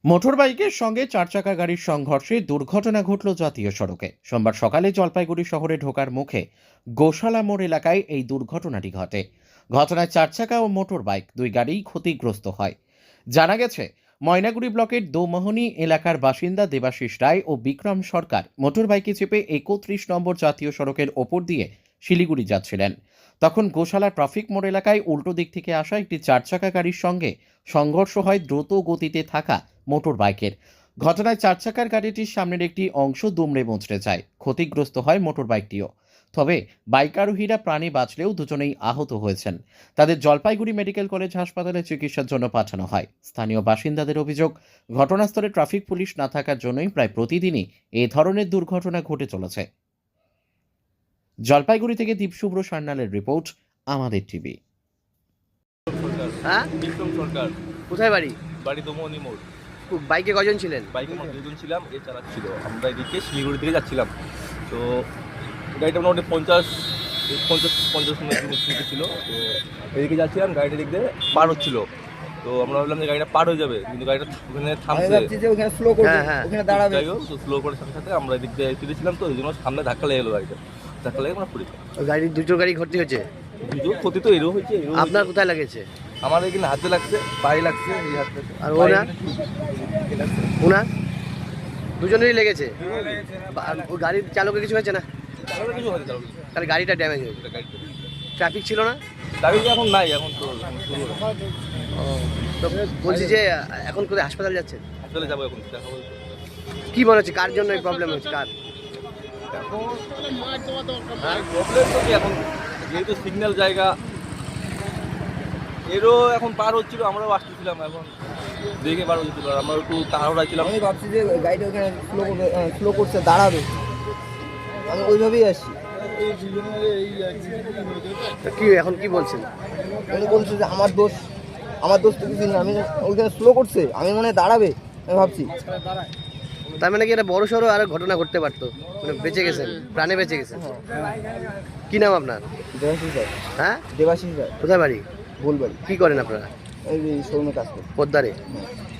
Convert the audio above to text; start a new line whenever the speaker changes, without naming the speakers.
মোটরবাইকের সঙ্গে চার চাকা গাড়ির সংঘর্ষে দুর্ঘটনা ঘটল জাতীয় সড়কে। সোমবার সকালে জলপাইগুড়ি শহরে ঢোকার মুখে গোশালা মোড় এলাকায় এই দুর্ঘটনাটি ঘটে। ঘটনায় চার চাকা ও মোটরবাইক দুই গাড়িই ক্ষতিগ্রস্ত হয়। জানা গেছে, ময়নাগুড়ি ব্লকের দোমোহনী এলাকার বাসিন্দা দেবাশিস রায় ও বিক্রম সরকার মোটরবাইকে চেপে ৩১ নম্বর জাতীয় সড়কের ওপর দিয়ে শিলিগুড়ি যাচ্ছিলেন। তখন গোশালা ট্রাফিক মোড় এলাকায় উল্টো দিক থেকে আসা একটি চার চাকা গাড়ির সঙ্গে সংঘর্ষ হয় দ্রুত গতিতে থাকা মোটর বাইকের। ঘটনায় চার চাকার গাড়িটির সামনের একটি অংশ দুমড়ে মুচড়ে যায়, ক্ষতিগ্রস্ত হয় মোটর বাইকটিও। তবে বাইক আরোহীরা প্রাণে বাঁচলেও দুজনেই আহত হয়েছেন। তাদের জলপাইগুড়ি মেডিকেল কলেজ হাসপাতালে চিকিৎসার জন্য পাঠানো হয়। স্থানীয় বাসিন্দাদের অভিযোগ, ঘটনাস্থলে ট্রাফিক পুলিশ না থাকার জন্যই প্রায় প্রতিদিনই এই ধরনের দুর্ঘটনা ঘটে চলেছে। জলপাইগুড়ি থেকে দীপশুভ্র সান্যালের রিপোর্ট, আমাদের টিভি।
হ্যাঁ,
বিক্রম সরকার।
কোথায় বাড়ি?
বাড়ি দোমোহনী মোড়।
বাইকে কজন ছিলেন?
বাইকে আমরা দুজন ছিলাম, এ চালাচ্ছিল। আমরা এদিকে শিলিগুড়ি থেকে যাচ্ছিলাম। তো গাড়িটা মোটামুটি পঞ্চাশ মিনিট ছিল। তো এদিকে যাচ্ছিলাম, গাড়িটা দিক দিয়ে পার হচ্ছিল। তো আমরা ভাবলাম যে গাড়িটা পার হয়ে যাবে, কিন্তু গাড়িটা ওখানে থামছে। যাই হোক, তো স্লো করার সাথে সাথে আমরা এদিক দিয়ে ফিরেছিলাম, তো ওই জন্য সামনে ধাক্কা লেগে গেলো গাড়িটা। ধাক্কা লেগে আমরা পড়ে যাই।
গাড়ির দুটো গাড়ি ক্ষতি হয়েছে।
দুটো ক্ষতি তো এরও হয়েছে।
আপনার কোথায় লাগেছে?
আমার এখানে হাতে লাগছে, পায়ে লাগছে, এই হাতে।
আর ওনার দুজনেরই লেগেছে। আর ওই গাড়ির চালকের কিছু হয়েছে না?
কিছু হয়নি,
তাহলে গাড়িটা ড্যামেজ হয়েছে। ট্রাফিক ছিল না?
গাড়ি এখন নাই, এখন তো শুরু হলো।
তো বলছি যে এখন কোথায় হাসপাতাল যাচ্ছেন?
চলে যাবো এখন, দেখাবো।
কি মনে হচ্ছে কার জন্য এই প্রবলেম হচ্ছে? কার
প্রবলেম তো কি, এখন যেহেতু সিগন্যাল জায়গা, এরও এখন পার হচ্ছিল, আমরাও আসতেছিলাম, এখন দেখে পার হচ্ছিল। আর আমরা একটু তাড়াহুড়া ছিলাম।
আমি ভাবছি যে গাড়িটা ওখানে স্লো করছে, দাঁড়াবে, আমি ওইভাবেই আসছি।
কি এখন কি বলছেন?
উনি বলছে যে আমার দোষ তো কিছু নেই, আমি ওইখানে স্লো করছে, আমি মনে হয় দাঁড়াবে, আমি ভাবছি।
তার মানে কি একটা বড় সড়ো আর ঘটনা ঘটতে পারতো, মানে বেঁচে গেছেন, প্রাণে বেঁচে গেছেন। কি নাম আপনার?
দেবাশিস রায়।
হ্যাঁ,
দেবাশিস রায়।
কোথায় বাড়ি?
ভুলবাড়ি।
কি করেন আপনারা?
এই শোরুমে কাজ করি।
পোদ্দারে।